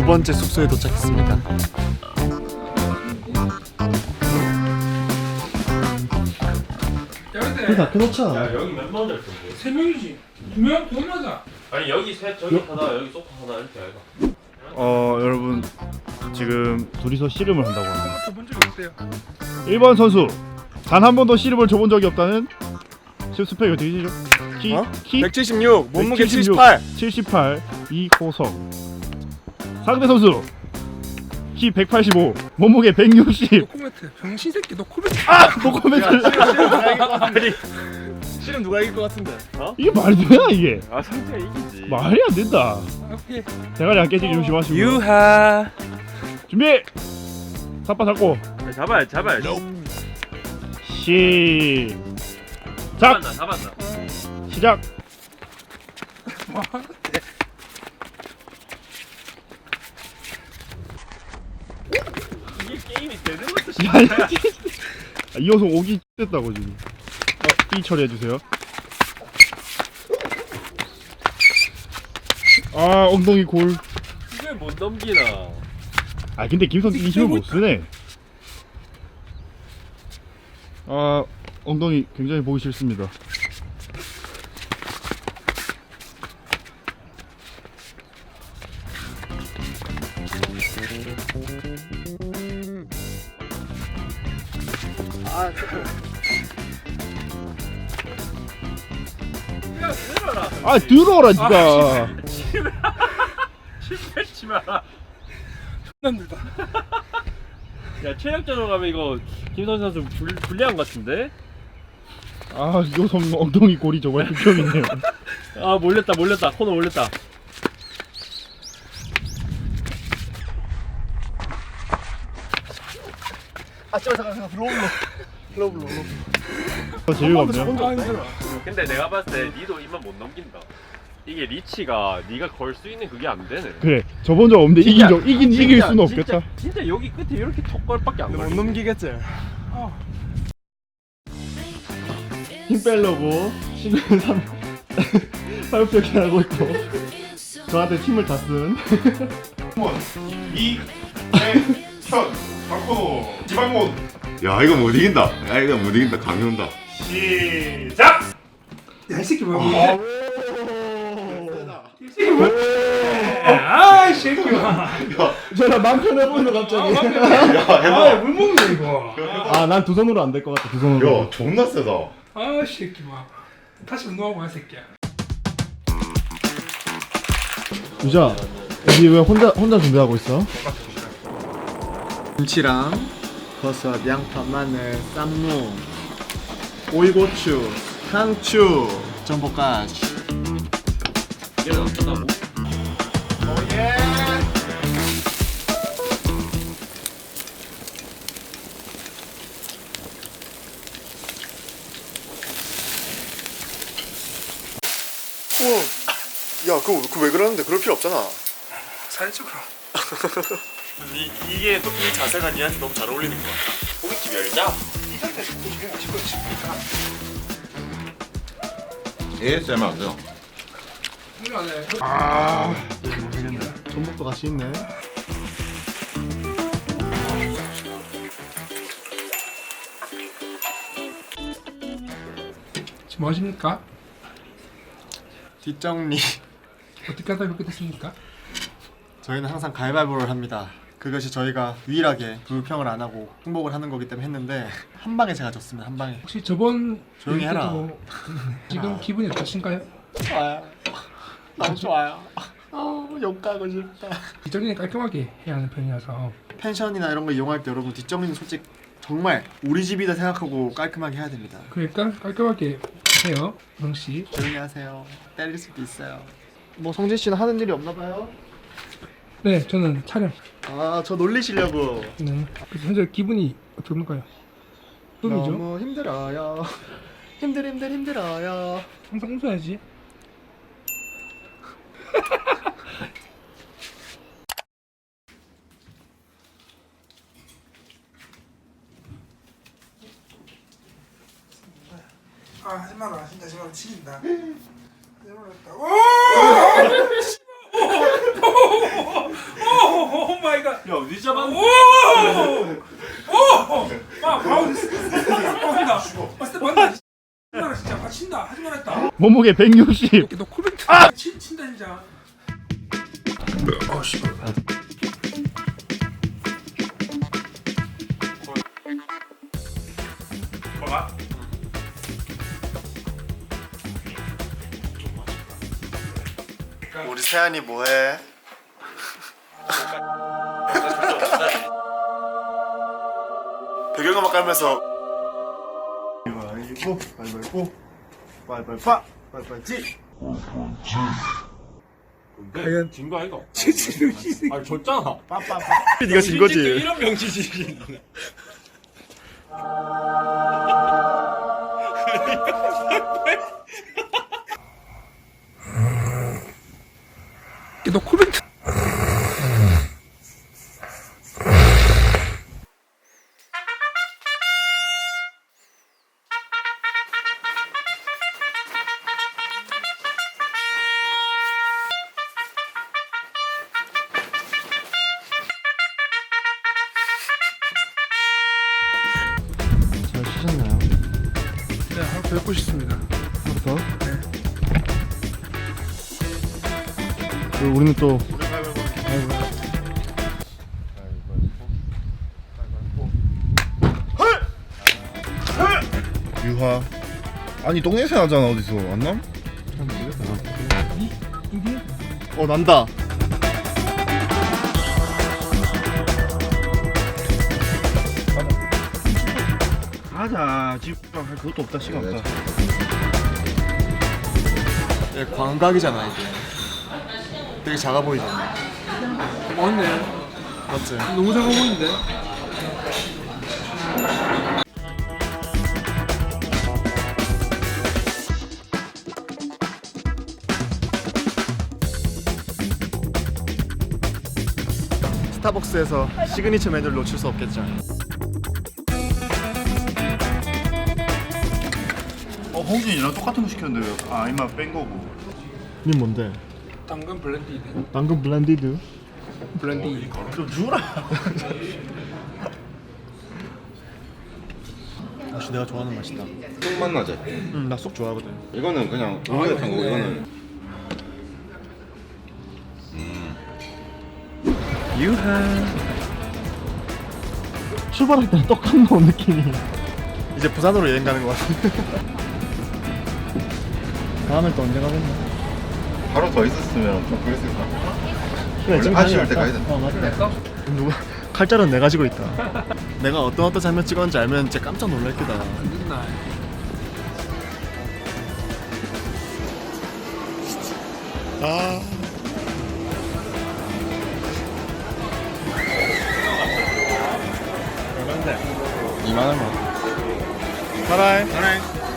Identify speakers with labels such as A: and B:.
A: 번째 숙소에 도착했습니다. 다 켜놓자.
B: 야 여기 몇만 원짜리 텐데?
C: 3명이지. 2명? 돈 맞아.
B: 아니 여기 셋 저기 하나 여기 소파 하나 이렇게 해가.
D: 여러분 지금 둘이서 씨름을 한다고 합니다.
C: 저본 적이 없대요.
D: 1번 선수 단 한 번도 씨름을 줘본 적이 없다는 스펙이 어떻게 되죠? 키
A: 176, 몸무게
D: 176, 78 이호성. 상대 선수 키 185 몸무게 160.
C: 노코멘트. 병신 새끼 노코멘트.
D: 노코멘트.
A: 실은 누가 이길 것 같은데?
D: 이게 말이 되나 이게?
B: 아 상태가 이기지.
D: 말이 안 된다.
C: 오케이.
D: 대가리 안 깨지게 조심하시고.
A: 유하.
D: 준비. 삿바 잡고
B: 잡아야.
D: 시작.
B: 잡았나.
D: 시작.
C: 뭐
B: 이게 게임이 되는 것도
D: 이호성 오기 됐다고 지금. 이 처리해주세요. 엉덩이 골.
B: 이걸 못 넘기나.
D: 근데 김선 이 힘을 못 쓰네. 엉덩이 굉장히 보기 싫습니다. 들어라 니가.
B: 실패치 마라.
C: 난들다.
B: 야 체력전으로 가면 이거 김선 선수 불리한 것 같은데?
D: 이호성 엉덩이 골이 정말 극혐이네요.
B: 몰렸다 코너 몰렸다.
A: 잠깐 글로블로.
D: 재미가 없네요.
C: 힘들어.
B: 근데 내가 봤을 때 니도 이만 못 넘긴다. 이게 리치가 니가 걸 수 있는 그게 안 되네.
D: 그래 저번 적 없는데 이길 수는 없겠다.
B: 진짜 여기 끝에 이렇게 턱걸밖에 안
A: 못
B: 걸려.
A: 넘기겠지?
D: 힘 빼려고 지금 사육벽이 하고 있고 저한테 힘을 다 쓴. 이태현 박건호 지방몬.
E: 야 이거 못 이긴다. 감이 온다.
D: 시작.
C: 야, 이 새끼 뭐야? 이 새끼 뭐야? 이 새끼야.
D: 저랑 맘 편해 보이네 갑자기.
C: 물 먹네 이거.
D: 난 두 손으로 안 될 것 같아. 두 손으로.
E: 야 존나 세다.
C: 이 새끼 뭐. 다시 운동하고 와 새끼야.
D: 유자, 여기 왜 혼자 준비하고 있어?
A: 김치랑 버섯, 양파, 마늘, 쌈무, 오이고추, 상추, 전복까지.
B: 이게 어쩌다고?
A: 야, 그거 왜 그러는데? 그럴 필요 없잖아.
C: 사회적으로.
B: 이게 이 자세가 니한테 너무 잘 어울리는 거야. 고깃집 열자.
C: 이 상태에서 고기가 맛있고 싶으니까.
E: ASMR 안 돼요.
C: 이거 안 해.
D: 모르겠네. 전복도 같이 있네.
C: 지금 뭐 하십니까?
A: 뒷정리.
C: 어떻게 하다 그렇게 됐습니까?
A: 저희는 항상 가위바위보를 합니다. 그것이 저희가 유일하게 불평을 안 하고 승복을 하는 거기 때문에 했는데 한 방에 제가 졌습니다. 한 방에.
C: 혹시 저번
A: 조용히 해라.
C: 때도 지금 기분이 어떠신가요?
A: 좋아요. 너무 좋아요. 욕 가고 싶다.
C: 뒷정리는 깔끔하게 해야 하는 편이라서.
A: 펜션이나 이런 거 이용할 때 여러분 뒷정리는 솔직히 정말 우리 집이다 생각하고 깔끔하게 해야 됩니다.
C: 그러니까 깔끔하게 해요, 영 씨.
A: 조용히 하세요. 때릴 수도 있어요. 뭐 성진 씨는 하는 일이 없나 봐요?
C: 네, 저는 촬영.
A: 저 놀리시려고.
C: 네. 그래서 현재 기분이 어떤가요? 꿈이죠?
A: 너무 힘들어요. 힘들어요.
C: 항상 웃어야지. 하지 마라. 진짜 하지 마라. 치긴다. 하지 마라. 오!
F: 오 마이 갓.
B: 야 어디 잡았는데?
F: 막 바울 스텝한다. 스텝 한다. 나 진짜 맞힌다. 하지 말았다.
D: 몸무게 160.
F: 이렇게 너 콜뱅크 친다 진짜. 어씨.
A: 우리 세안이 뭐해? 배경음악 깔면서 이거 발발고 발발파 발발지.
B: 과연 진거 아이가? 아 졌잖아.
A: 네가 진 거지.
B: 이런 명치지.
F: 너 콜뱅크.
D: 잘 치셨나요?
F: 네, 하루 뵙고 싶습니다.
D: 부터. 그리고 우리는 또 유하. 아니 똥냄새 나잖아 어디서 안 남?
A: 난다.
D: 가자. 지금 할 그것도 없다 시간 없다.
A: 예, 광각이잖아 이게. 되게 작아 보이잖아.
F: 맞네.
A: 맞지?
F: 너무 작아 보이는데.
A: 스타벅스에서 시그니처 메뉴를 놓칠 수 없겠죠.
D: 홍진이랑 똑같은 거 시켰는데 왜 이마 뺀 거고. 니 뭔데?
F: 당근 블렌디드.
D: 당근 블렌디드.
F: 블렌디.
D: 좀 주라.
A: 역시 내가 좋아하는 맛이다.
E: 속 맛나지?
A: 나 쏙 좋아하거든.
E: 이거는 그냥 우유에 탄 거고 이거는
D: 출발할 때랑 똑같은 거 느낌이.
A: 이제 부산으로 여행 가는 것 같은데.
D: 다음에 또 언제 가겠나?
E: 하루 더 있었으면 좀 그랬을 것 같아.
D: 그래 지금
E: 아쉬울 때 가야 된다.
D: 맞다.
A: 누가 칼자루는 내가 지고 있다. 내가 어떤 장면 찍었는지 알면 진짜 깜짝 놀랄 거다.
F: 늦나.
A: 아. 얼마인데?
E: 2만 원만.
A: 바라이.